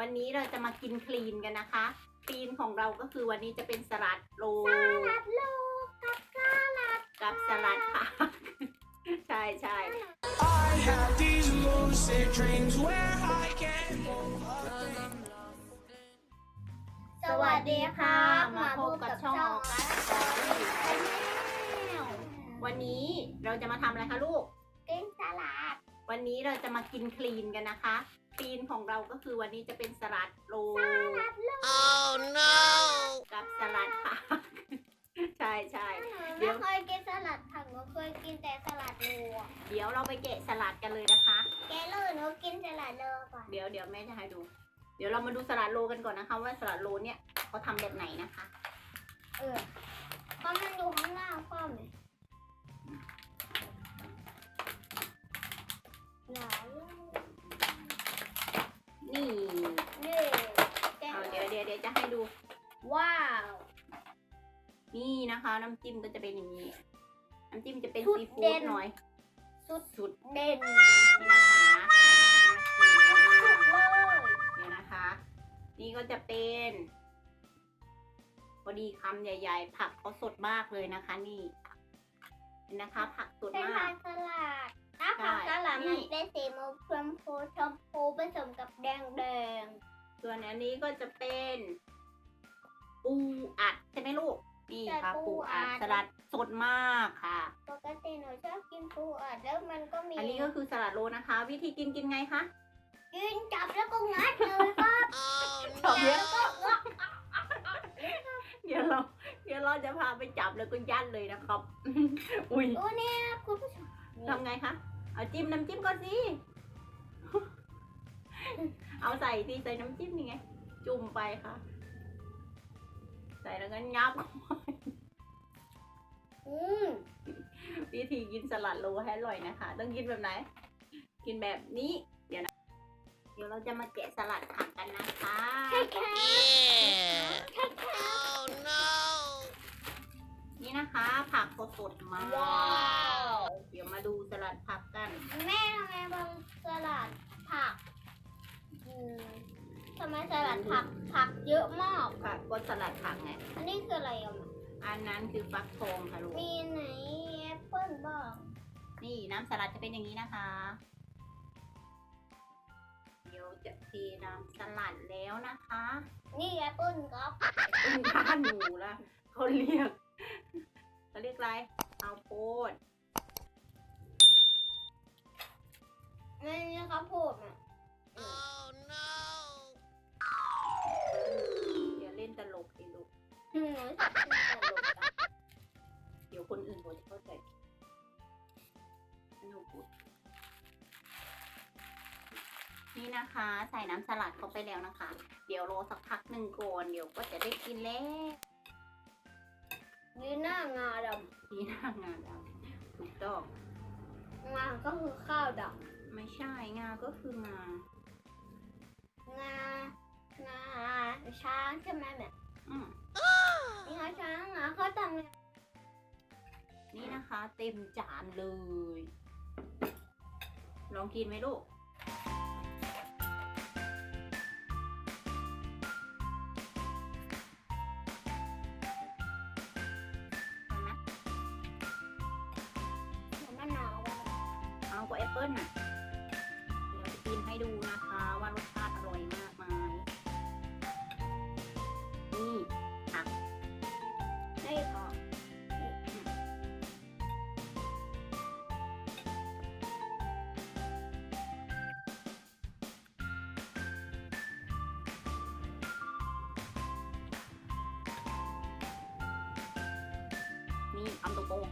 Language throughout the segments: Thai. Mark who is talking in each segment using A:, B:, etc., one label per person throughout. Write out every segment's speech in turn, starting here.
A: วันนี้เราจะมากินคลีนกันนะคะคลีนของเราก็คือวันนี้จะเป็นสลัดโลกับสลัดผักใช่ใช่
B: I have these lucid dreams where I can move.
A: สวัสดีค่ะมาพบกับช่องออกัสสตอรี่ชาแนลวันนี้เราจะมาทำอะไรคะลูก
C: กินสลัด
A: วันนี้เราจะมากินคลีนกันนะคะคลีนของเราก็คือวันนี้จะเป็นสลัดโล
B: Oh no!
A: กับสลัดผักใช่ใช่
C: หนูไม่เคยกินสลัดผักหนูเคยกินแต่สลัดโลอะ
A: เดี๋ยวเราไปแกะสลัดกันเลยนะคะ
C: แกเลยหนูกินสลัดโลก่อน
A: เดี๋ยวแม่จะให้ดู เดี๋ยวเรามาดูสลัดโลกันก่อนนะคะ ว่าสลัดโลเนี่ยเขาทำแบบไหนนะคะ
C: เพราะมันอยู่ข้างล่างป้อมเลยหนาว
A: นี่
C: นี่แกะ
A: เอาเดี๋ยวจะให้ดู
C: ว้าว
A: นี่นะคะ น้ำจิ้มก็จะเป็นอย่างนี้ น้ำจิ้มจะเป็น
C: สุด
A: ซีฟู้
C: เด่
A: ด
C: น
A: หน่อย
C: สุดเด่น
A: นี่นะคะน่ากินมาก
C: สุดเลย
A: เดี๋ยวนะคะ นี่ก็จะเป็นพอดีคำใหญ่ๆ ผักเขาสดมากเลยนะคะ นี่เห็นนะคะ ผักสด
C: เป็น
A: มา
C: ผั
A: ก
C: กสลัดถ้าผักสลัด
A: นี่
C: มันเป็นสีชมพูผสมกับแดง
A: ส่วนอันนี้ก็จะเป็นปูอัดใช่ไหมลูก นี่ค่ะปูอัดสลัดสดมากค่ะ
C: ปกติหนูชอบกินปูอัดแล้วมันก็มี
A: อันนี้ก็คือสลัดโลนะคะ วิธีกินไงคะ
C: กินจับแล้วก็งัดเลยครับ
A: ชอบเยอะ
C: แล้วก็งัด
A: เดี๋ยวเราจะพาไปจับแล้วก็ยัดเลยนะครับ อุ้ย
C: โอ้เนี่ยคุณผู้ชม
A: ทำไงคะ เอาจิ้มน้ำจิ้มก่อนสิ เอาใส่สิใส่น้ำจิ้มนี่ไง จุ่มไปค่ะ ใส่แล้วก็งับ
C: อืม
A: วิธีกินสลัดโลให้อร่อยนะคะ ต้องกินแบบไหน กินแบบนี้ เดี๋ยวเราจะมาแกะสลัดผักกันนะคะ
C: ใช่ค่ะ
B: Oh no!
A: นี่นะคะ ผักสดๆมาก
C: ว้าว
A: เดี๋ยวมาดูสลัดผักกัน
C: แม่ทำไมบางสลัดผักทำไมสลัดผักเยอะมาก
A: ผักก็สลัดผักไง
C: อันนี้คืออะไรอ่ะ
A: อันนั้นคือฟักทองค่ะลูก
C: มีไหนแอปเปิ้ลบ้าง
A: นี่น้ำสลัดจะเป็นอย่างนี้นะคะ เดี๋ยวจะเทน้ำสลัดแล้วนะคะ
C: นี่แอปเปิ้ลครับ
A: เป็นบ้านหนูละเขาเรียกอะไรเอาโพด
C: ไม่ใช่ข้าวโพดอ่ะ
B: Oh no!
A: อย่าเล่นตลกดิลูก
C: หนูชอบกินตลกอะ
A: เดี๋ยวคนอื่นเขาจะเข้าใจหนูพูดนี่นะคะ ใส่น้ำสลัดเข้าไปแล้วนะคะ เดี๋ยวรอสักพักหนึ่งก่อนเดี๋ยวก็จะได้กินแล้ว
C: ยืนหน้างาด
A: นี่หน้างานแล้วถูกต้อง
C: ำงาก็คือข้าวด
A: ไม่ใช่งาก็คืองา
C: ำงาช้างใช่ไหมแบบ
A: อืม
C: นี่งาช้างงาเขาทำไง
A: นี่นะคะเต็มจานเลย ลองกินไหมลูก เอานะ
C: มะนาวอะ
A: เอาก็แอปเปิ้ลน่ะ เดี๋ยวจะกินให้ดูนะคะว่ารสชาติอร่อยมากไหมนี่ผัก
C: ได้ค่ะ
A: นี่คำโตๆ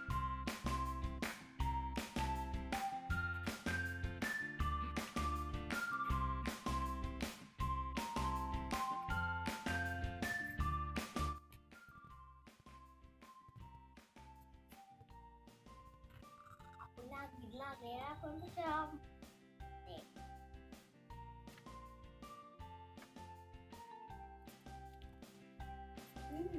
C: น่ากินมากเลยนะคุณผู้ชมนี่อืม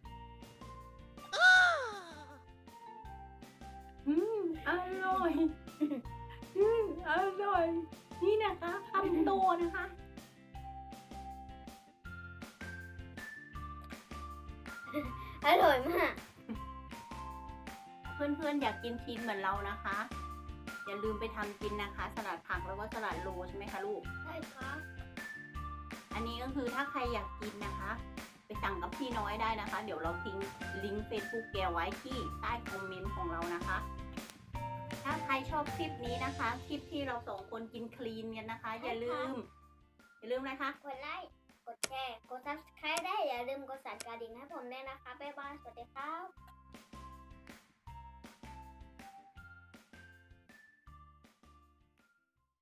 A: อร่อย อร่อย นี่นะคะคำโตนะคะ
C: อร่อยมาก
A: เพื่อนๆอยากกินชีสเหมือนเรานะคะ อย่าลืมไปทำกินนะคะ สลัดผักแล้วก็สลัดโรใช่ไหมคะลูก
C: ใช่ครับ
A: อันนี้ก็คือถ้าใครอยากกินนะคะ ไปสั่งกับพี่น้อยได้นะคะ เดี๋ยวเราทิ้งลิงก์ Facebook แกไว้ที่ใต้คอมเมนต์ของเรานะคะ ถ้าใครชอบคลิปนี้นะคะ คลิปที่เราสองคนกินคลีนกันนะคะ อย่าลืมนะคะ
C: กดไลค์ กดแชร์ กด subscribe ได้ อย่าลืมกดสั่นกระดิ่งให้ผมด้วยนะคะ บ๊ายบาย สวัสดีครับ